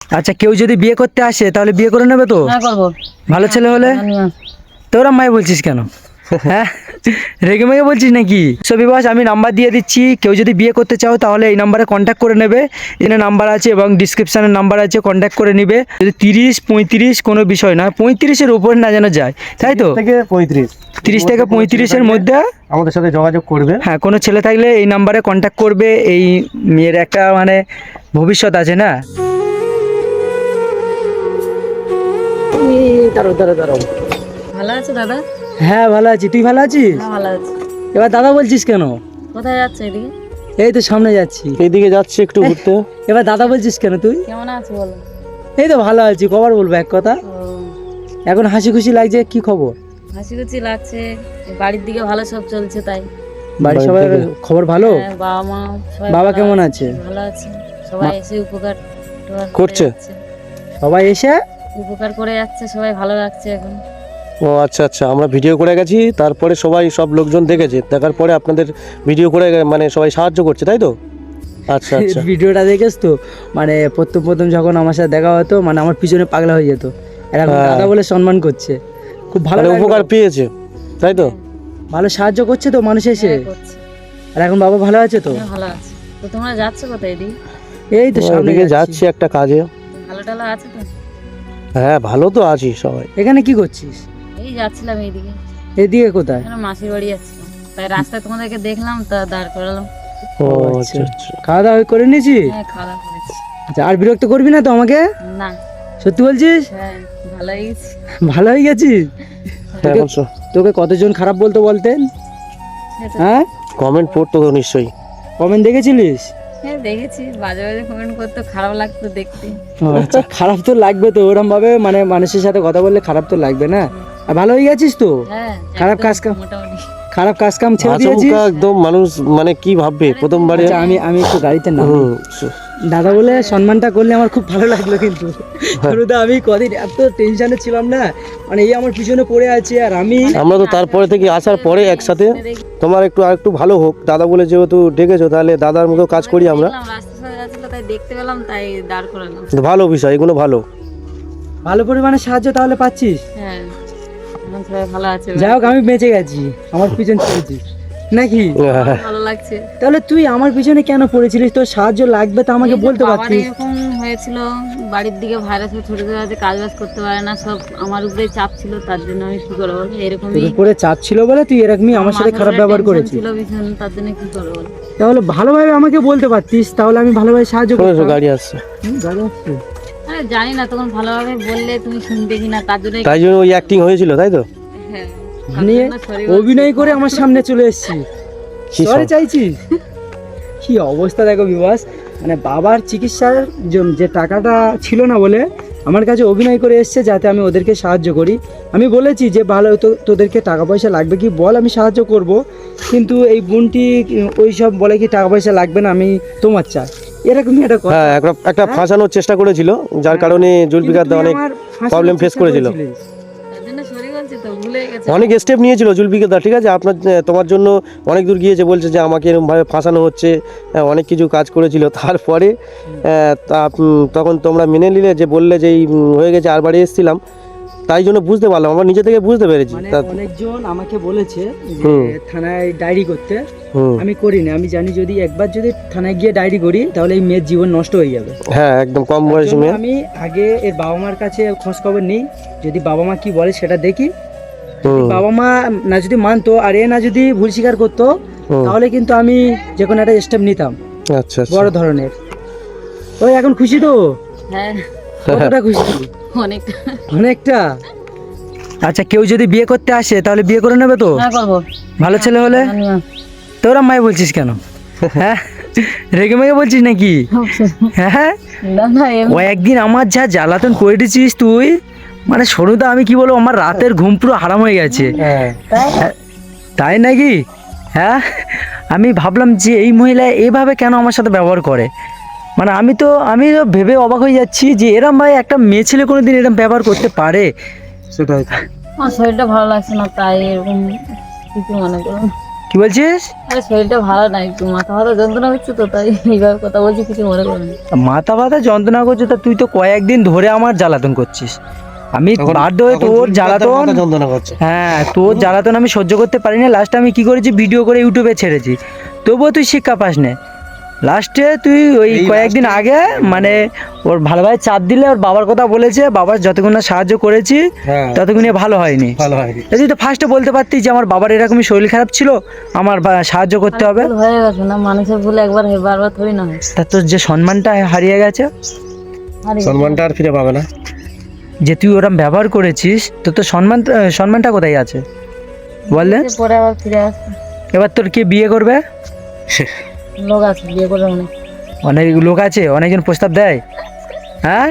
আচ্ছা, কেউ যদি বিয়ে করতে আসে তাহলে বিয়ে করে নেবে তো? হ্যাঁ করবো। ভালো ছেলে হলে? তোরা মাই বলছিস কেন? হ্যাঁ, রেগে মেগে বলছিস নাকি? সো বিবাস, আমি নাম্বার দিয়ে দিচ্ছি, কেউ যদি বিয়ে করতে চাও তাহলে এই নাম্বারে কন্ট্যাক্ট করে নেবে। এখানে নাম্বার আছে এবং ডিসক্রিপশানের নাম্বার আছে, কন্ট্যাক্ট করে নিবে। যদি 30-35 কোনো বিষয় না, 35-এর উপরে না যেন যায়, তাই তো? 30 থেকে 35-এর মধ্যে আমাদের সাথে যোগাযোগ করবে। হ্যাঁ, কোনো ছেলে থাকলে এই নাম্বারে কন্ট্যাক্ট করবে। এই মেয়ের একটা মানে ভবিষ্যৎ আছে না। দাঁড়াও। ভালো আছো দাদা? হ্যাঁ ভালো আছি, তুই ভালো আছিস? হ্যাঁ ভালো আছি। এবার দাদা বলছিস কেন? কোথায় যাচ্ছে এদিকে? এই তো সামনে যাচ্ছি। এইদিকে যাচ্ছি একটু ঘুরতে। এবার দাদা বলছিস কেন তুই? কেমন আছো বলো? এই তো ভালো আছি, কবার বলবো এক কথা। ও, এখন হাসি খুশি লাগছে, কি খবর? হাসি খুশি লাগছে, বাড়ির দিকে ভালো সব চলছে তাই। বাড়ির সবাই খবর ভালো? হ্যাঁ, বাবা মা সবাই বাবা ভালো কেমন আছে? ভালো আছে। সবাই এসে উপকার টুকার করে করছে? যাচ্ছে। সবাই এসে উপকার করে যাচ্ছে, সবাই ভালো লাগছে এখন। ও আচ্ছা আচ্ছা, আমরা ভিডিও করে গেছি, তারপরে সব লোকজন দেখেছে, দেখার পরে আপনাদের ভিডিও করে মানে সবাই সাহায্য করছে, তাই তো? আচ্ছা আচ্ছা। ভিডিওটা দেখেছ তো, মানে প্রথম যখন আমার সাথে দেখা হতো, মানে আমার পিছনে পাগলা হয়ে যেত, আর এখন হ্যাঁ। দাদা বলে সম্মান করছে, খুব ভালো মানে লাগলো। উপকার পেয়েছে, তাই তো? ভালো সাহায্য করছে তো মানুষ এসে। হ্যাঁ, করছে। আর এখন বাবা ভালো আছে তো? হ্যাঁ, ভালো আছে। তো তোমরা যাচ্ছ কোথায় এদিকে? এই তো সামনে এদিকে যাচ্ছি। যাচ্ছি একটা কাজে। ভালো টালো আছে তো? হ্যাঁ ভালো তো আছি সবাই। এখানে কি করছিস? এই যাচ্ছিলাম এইদিকে, এদিকে কোথায়? এখানে মাসির বাড়ি যাচ্ছিলাম, তাই রাস্তায় তোমাদেরকে দেখলাম, তা দাঁড় করালাম। ও আচ্ছা। আচ্ছা আচ্ছা। খাওয়া দাওয়া করে নিয়েছি? হ্যাঁ, খাওয়া দাওয়া করেছি। আচ্ছা, আর বিরক্ত করবি না তো আমাকে? না, সত্যি বলছিস? হ্যাঁ ভালো হয়ে গেছি। ভালো হয়ে গেছিস? হ্যাঁ, তোকে- বলছো। তোকে কতজন খারাপ বলতেন? হ্যাঁ, কমেন্ট পড়তো তো নিশ্চয়ই। কমেন্ট দেখেছিলিস? হ্যাঁ দেখেছি, বাজে বাজে কমেন্ট করতে, খারাপ লাগতো দেখতে। আচ্ছা, খারাপ তো লাগবে তো, ওরম ভাবে মানে মানুষের সাথে কথা বললে খারাপ তো লাগবে না। আর ভালো হয়ে গেছিস তো? হ্যাঁ, খারাপ একদম কাজ কাম- মোটামুটি। খারাপ কাজ কাম ছেড়ে দিয়েছিস? আচমকা একদম মানুষ মানে কি ভাববে প্রথমবারে। আচ্ছা, আমি একটু গাড়িতে নাম। হুম, দাদা বলে সম্মানটা করলে আমার খুব ভালো লাগলো, কিন্তু হলুদা আমি কদিন এত টেনশনে ছিলাম না, মানে এই আমার পিছনে পড়ে আছে আর আমি। আমরা তো তারপরে থেকে আসার পরে একসাথে তোমার আরেকটু ভালো হোক দাদা বলে যেহেতু ডেকেছো, তাহলে দাদার মতো কাজ করি আমরা। দেখলাম রাস্তার সাথে যাচ্ছিল, তাই দেখতে পেলাম, তাই দাঁড় করালাম। তো ভালো বিষয়, এগুলো ভালো। ভালো পরিমাণে সাহায্য তাহলে পাচ্ছিস? হ্যাঁ, এখন সবাই ভালো আছে, যাই হোক, আমি বেঁচে গেছি, আমার পিছন পড়েছিস নাকি? ভালো লাগছে। তাহলে তুই আমার পিছনে কেন পড়েছিলিস? তোর সাহায্য লাগবে তো আমাকে এই যে বলতে বাবার পারতিস। এরকম হয়েছিল, বাড়ির দিকে ভাইরাস ছোট ছোট আছে, কাজ বাজ করতে পারে না, সব আমার উপরে চাপ ছিল, তার জন্য আমি কি করবো বল, তোর এরকমই উপরে চাপ ছিল বলে তুই এরকমই আমার সাথে খারাপ ব্যবহার করেছিস। ছিল ভীষণ, তার জন্য কি করবো বল। তাহলে ভালোভাবে আমাকে বলতে পারতিস, তাহলে আমি ভালোভাবে সাহায্য শোনো, করতাম। গাড়ি আসছে। গাড়ি আসছে? আরে জানি না তখন ভালোভাবে বললে তুমি শুনবে কিনা, তার জন্য তাই জন্য ওই অ্যাক্টিং হয়েছিল, তাই তো? হ্যাঁ, মানে তার জন্য sorry বলছি। অভিনয় করে আমার সামনে চলে এসেছিস, কি সরে সব? চাইছিস? কি অবস্থা দেখো বিবাস, মানে বাবার চিকিৎসার যে টাকাটা ছিল না বলে আমার কাছে অভিনয় করে এসছে, যাতে আমি ওদেরকে সাহায্য করি। আমি বলেছি যে ভালো তো তোদেরকে টাকা পয়সা লাগবে কি বল, আমি সাহায্য করব, কিন্তু এই বোনটি ওই সব বলে কি টাকা পয়সা লাগবে না, আমি তোমার চাই, এরকমই একটা কথা। হ্যাঁ, একটা ফাঁসানোর চেষ্টা করেছিল, যার কারণে জুলফিকার দা অনেক প্রবলেম ফেস করেছিল। তার জন্য sorry বলছি তো, ভুলে গেছে। অনেক স্টেপ নিয়েছিল জুলফিকার দা, ঠিক আছে? তোমার জন্য অনেক দূর গিয়েছে, বলছে যে আমাকে এরকমভাবে ফাঁসানো হচ্ছে, অনেক কিছু কাজ করেছিল। তারপরে তখন তোমরা মেনে নিলে, যে বললে যে এই হয়ে গেছে, আর বাড়ি এসেছিলাম, তাই জন্য বুঝতে পারলাম, আমরা নিজে থেকে বুঝতে পেরেছি। মানে অনেকজন আমাকে বলেছে যে হুম। থানায় ডায়েরি করতে, হুম, আমি করিনি। আমি জানি যদি একবার যদি থানায় গিয়ে ডায়েরি করি তাহলে এই মেয়ের জীবন নষ্ট হয়ে যাবে। হ্যাঁ একদম কম তার বয়সী জন্য মেয়ে। আমি আগে এর বাবা মার কাছে খোঁজ খবর নিই, যদি বাবা মা কি বলে সেটা দেখি। হুম, বাবা মা না যদি মানতো আর এ না যদি ভুল স্বীকার করতো, হুম। তাহলে কিন্তু আমি যে কোনো একটা স্টেপ নিতাম আচ্ছা আচ্ছা। বড় ধরনের। ওই এখন খুশি তো? হ্যাঁ, কতটা খুশি? অনেকটা। অনেকটা। আচ্ছা, কেউ যদি বিয়ে করতে আসে তাহলে বিয়ে করে নেবে তো? হ্যাঁ করবো। ভালো ছেলে হলে? হ্যাঁ, তোরা মাই বলছিস কেন? হ্যাঁ, রেগে মেগে বলছিস নাকি? হ্যাঁ, না না ও একদিন আমার যা জ্বালাতন করে দিয়েছিস তুই, মানে সরুদা আমি কি বলবো, আমার রাতের ঘুম পুরো হারাম হয়ে গেছে। হ্যাঁ, হ্যাঁ, তাই নাকি? হ্যাঁ, আমি ভাবলাম যে এই মহিলা এইভাবে কেন আমার সাথে ব্যবহার করে, মানে আমি তো ভেবে অবাক হয়ে যাচ্ছি যে এরম ভাই একটা মেয়ে ছেলে কোনোদিন এরম ব্যবহার করতে পারে। সেটাই। আমার শরীরটা ভালো লাগছে না, তাই এরকম কিছু মনে করুন। কি বলছিস? আরে শরীরটা ভালো নাই, একটু মাথা ব্যথা যন্ত্রণা হচ্ছে তো, তাই এইভাবে কথা বলছি, কিছু মনে করো না। মাথা ব্যথা যন্ত্রণা করছে, তা তুই তো কয়েকদিন ধরে আমার জ্বালাতন করছিস। আমি তখন- বাধ্য হয়ে তখন তোর তুমি জ্বালাতন, মাথা যন্ত্রণা করছে। হ্যাঁ তোর জ্বালাতন আমি সহ্য করতে পারি না। লাস্টে আমি কি করেছি, ভিডিও করে ইউটিউবে ছেড়েছি, তবুও তুই শিক্ষা পাস না। লাস্টে তুই ওই এই কয়েকদিন আগে মানে ওর ভালো ভাই চাপ দিলে ওর বাবার কথা বলেছে, বাবার যতক্ষণ না সাহায্য করেছি হ্যাঁ, ততক্ষণে ভালো হয়নি। ভালো হয়নি। তুই তো ফার্স্টে বলতে পারতিস যে আমার বাবার এরকমই শরীর খারাপ ছিল, আমার সাহায্য করতে হবে। ভুল হয়ে গেছে না, মানুষের ভুল একবার হয়, বারবার থরি না হয়। তা তোর যে সম্মানটা হারিয়ে গেছে, আরে সম্মানটা আর ফিরে পাবে না। যে তুই ওরম ব্যবহার করেছিস, তো সম্মানটা কোথায় আছে বললে? পরে আবার ফিরে আসবে। এবার তোর কে বিয়ে করবে? লোক আছে বিয়ে করে অনেক। অনেক লোক আছে, অনেকজন প্রস্তাব দেয়। হ্যাঁ,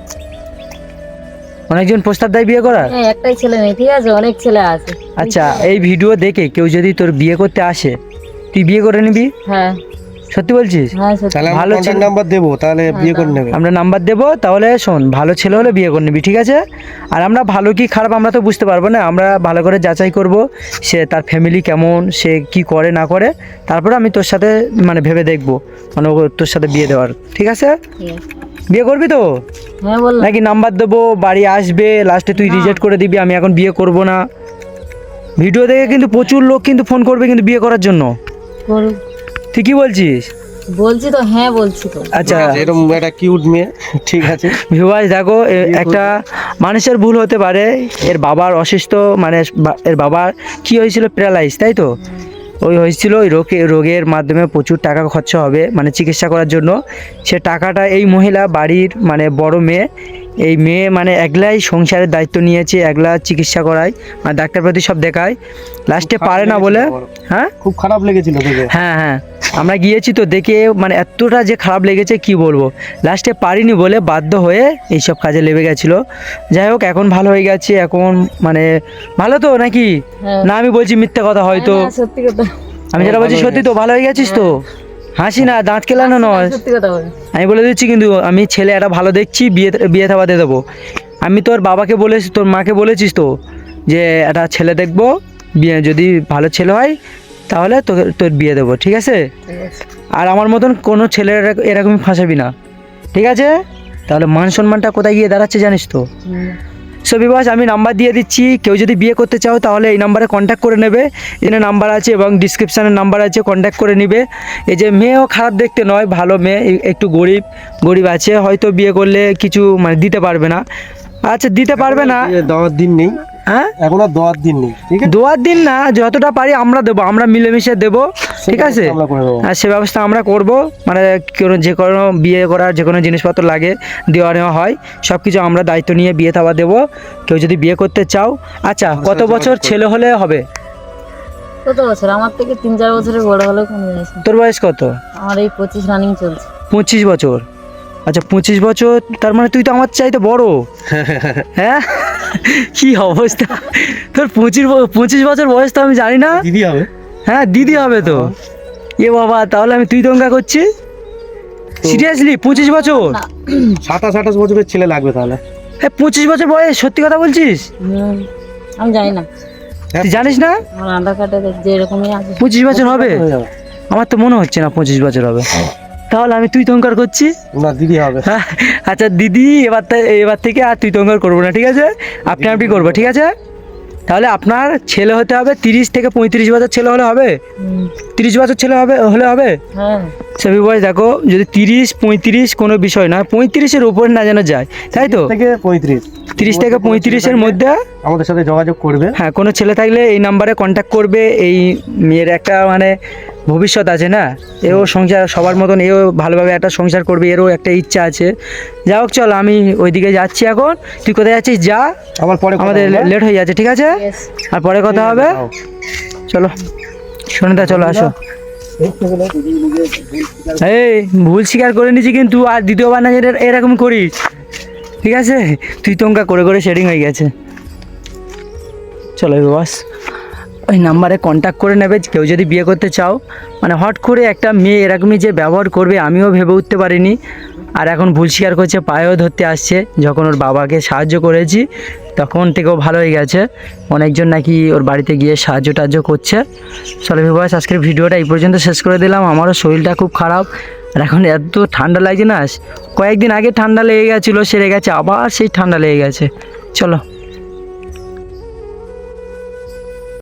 অনেকজন প্রস্তাব দেয় বিয়ে করার। হ্যাঁ, একটাই ছেলে নেই, ঠিক আছে, অনেক ছেলে আছে। আচ্ছা, এই ভিডিও দেখে কেউ যদি তোর বিয়ে করতে আসে, তুই বিয়ে করে নিবি? হ্যাঁ সত্যি বলছিস? হ্যাঁ সত্যি। তাহলে আমরা ভালো কন্টাক্ট ছেলে- নাম্বার দেবো, তাহলে বিয়ে করে নেবে। আমরা নাম্বার দেবো, তাহলে শোন, ভালো ছেলে হলে বিয়ে করে নিবি, ঠিক আছে? আর আমরা ভালো কি খারাপ আমরা তো বুঝতে পারবো না, আমরা ভালো করে যাচাই করব সে তার ফ্যামিলি কেমন, সে কি করে না করে, তারপরে আমি তোর সাথে মানে ভেবে দেখবো মানে তোর সাথে বিয়ে দেওয়ার, ঠিক আছে? ঠিক আছে। বিয়ে করবি তো? হ্যাঁ বললাম। নাকি নাম্বার দেবো, বাড়ি আসবে, লাস্টে তুই রিজেক্ট করে দিবি, আমি এখন বিয়ে করব না? ভিডিও দেখে কিন্তু প্রচুর লোক কিন্তু ফোন করবে কিন্তু বিয়ে করার জন্য। করুক। তুই কি বলছিস? বলছি তো, হ্যাঁ বলছি তো। আচ্ছা এরকম একটা কিউট মেয়ে, ঠিক আছে। ভিউয়ার্স দেখো, একটা মানুষের ভুল হতে পারে। এর বাবার অসুস্থ, মানে এর বাবার কি হয়েছিল, প্যারালাইজ, তাই তো? ওই হয়েছিল, ওই রোগের মাধ্যমে প্রচুর টাকা খরচা হবে মানে চিকিৎসা করার জন্য। সে টাকাটা এই মহিলা বাড়ির মানে বড় মেয়ে, এই মেয়ে মানে একলাই সংসারের দায়িত্ব নিয়েছে, একলা চিকিৎসা করায়, মানে ডাক্তারপাতি সব দেখায়, লাস্টে পারে না বলে। হ্যাঁ খুব খারাপ লেগেছিল দেখে। হ্যাঁ হ্যাঁ, আমরা গিয়েছি তো, দেখে মানে এতটা যে খারাপ লেগেছে কি বলবো। লাস্টে পারিনি বলে বাধ্য হয়ে এইসব কাজে লেগে গেছিলো। যাই হোক, এখন ভালো হয়ে গেছে, এখন মানে ভালো তো নাকি? হ্যাঁ। না আমি বলছি মিথ্যে কথা হয়তো? না, সত্যি কথা। আমি যেটা বলছি সত্যি তো? ভালো হয়ে গেছিস তো? হাসি না, দাঁত কেলানো নয়, সত্যি কথা বলি। আমি বলে দিচ্ছি কিন্তু, আমি ছেলে একটা ভালো দেখছি, বিয়ে থাবা দিয়ে দেবো। আমি তোর বাবাকে বলেছি, তোর মাকে বলেছিস তো যে একটা ছেলে দেখবো, বিয়ে যদি ভালো ছেলে হয় তাহলে তোকে তোর বিয়ে দেবো, ঠিক আছে? ঠিক আছে। আর আমার মতন কোনো ছেলের এরকমই ফাঁসাবি না, ঠিক আছে? তাহলে মান সম্মানটা কোথায় গিয়ে দাঁড়াচ্ছে জানিস তো? হুম। সো বিবাস, আমি নাম্বার দিয়ে দিচ্ছি, কেউ যদি বিয়ে করতে চাও তাহলে এই নাম্বারে কন্ট্যাক্ট করে নেবে। এখানে নাম্বার আছে এবং ডিসক্রিপশানের নাম্বার আছে, কন্ট্যাক্ট করে নিবে। এই যে মেয়েও খারাপ দেখতে নয়, ভালো মেয়ে, একটু গরিব আছে, হয়তো বিয়ে করলে কিছু মানে দিতে পারবে না। আচ্ছা, দিতে পারবে না, দেওয়ার দিন নেই, হ্যাঁ এখন আর দেওয়ার দিন নেই, ঠিক আছে। দোয়ার দিন না, যতটা পারি আমরা দেবো, আমরা মিলেমিশে দেবো, ঠিক আছে? আমরা করে দেবো। আর সে ব্যবস্থা আমরা করব, মানে যে কোনো বিয়ে করার যে কোনো জিনিসপত্র লাগে দেওয়া নেওয়া হয়, সব কিছু আমরা দায়িত্ব নিয়ে বিয়ে থাবা দেবো। কেউ যদি বিয়ে করতে চাও, আচ্ছা কত বছর ছেলে হলে হবে? কত বছর? আমার থেকে 3-4 বছরের বড় হলেও কোনো জিনিস না। তোর বয়স কত? আমার এই 25 রানিং চলছে। 25 বছর। আচ্ছা 25 বছর, তার মানে তুই তো আমার চাইতে বড়। হ্যাঁ, কি অবস্থা তোর! 25 বছর বয়স তো আমি জানি না। দিদি হবে। হ্যাঁ, দিদি হবে তো। এ বাবা, তাহলে আমি তুই দঙ্গা করছি সিরিয়াসলি? 25 বছর? না। 27-28 বছরের ছেলে লাগবে তাহলে। হ্যাঁ, 25 বছর বয়স, সত্যি কথা বলছিস? হুম। আমি জানি না, তুই জানিস না আমার আধার কার্ডে যে এরকমই আছে। 25 বছর হবে? হয়ে যাবে। আমার তো মনে হচ্ছে না 25 বছর হবে। তাহলে আমি তুই তঙ্কার করছি। না, দিদি হবে। হ্যাঁ, আচ্ছা দিদি, এবার থেকে আর তুই তঙ্কার করবো না, ঠিক আছে? আপনি করবো, ঠিক আছে? তাহলে আপনার ছেলে হতে হবে 30 থেকে 35 বছর ছেলে হলে হবে? হুম। 30 বছর ছেলে হলে হবে? হ্যাঁ। সবই বয়স দেখো, যদি 30-35 কোনো বিষয় না, 35-এর উপরে না যেন যায়, তাই তো? থেকে 35, 30 থেকে 35-এর মধ্যে আমাদের সাথে যোগাযোগ করবে। হ্যাঁ, কোনো ছেলে থাকলে এই নাম্বারে কন্ট্যাক্ট করবে। এই মেয়ের একটা মানে ভবিষ্যৎ আছে না, এও সংসার সবার মতন, এও ভালোভাবে একটা সংসার করবে, এরও একটা ইচ্ছা আছে। যাই হোক, চল আমি ওইদিকে যাচ্ছি এখন। তুই কোথায় যাচ্ছিস? যা, আবার পরে কথা আমাদের বলবো। লেট হয়ে যাচ্ছে, ঠিক আছে? Yes. আর পরে কথা হবে। যাও। চলো সুনিতা, চলো আসো। এই ভুল স্বীকার করে নিয়েছি কিন্তু, আর দ্বিতীয়বার না যেটা এরকম করিস, ঠিক আছে? তুই তঙ্কা করে করে শেডিং হয়ে গেছে। চলো বাস, ওই নাম্বারে কন্ট্যাক্ট করে নেবে কেউ যদি বিয়ে করতে চাও। মানে হট করে একটা মেয়ে এরকমই যে ব্যবহার করবে আমিও ভেবে উঠতে পারিনি। আর এখন ভুল স্বীকার করছে, পায়েও ধরতে আসছে। যখন ওর বাবাকে সাহায্য করেছি তখন থেকেও ভালো হয়ে গেছে, অনেকজন নাকি ওর বাড়িতে গিয়ে সাহায্য টাহায্য করছে। চলো ভিউয়ার্স, আজকের ভিডিওটা এই পর্যন্ত শেষ করে দিলাম। আমারও শরীরটা খুব খারাপ, আর এখন এত ঠান্ডা লাগছে না, কয়েকদিন আগে ঠান্ডা লেগে গেছিলো, সেরে গেছে, আবার সেই ঠান্ডা লেগে গেছে। চলো।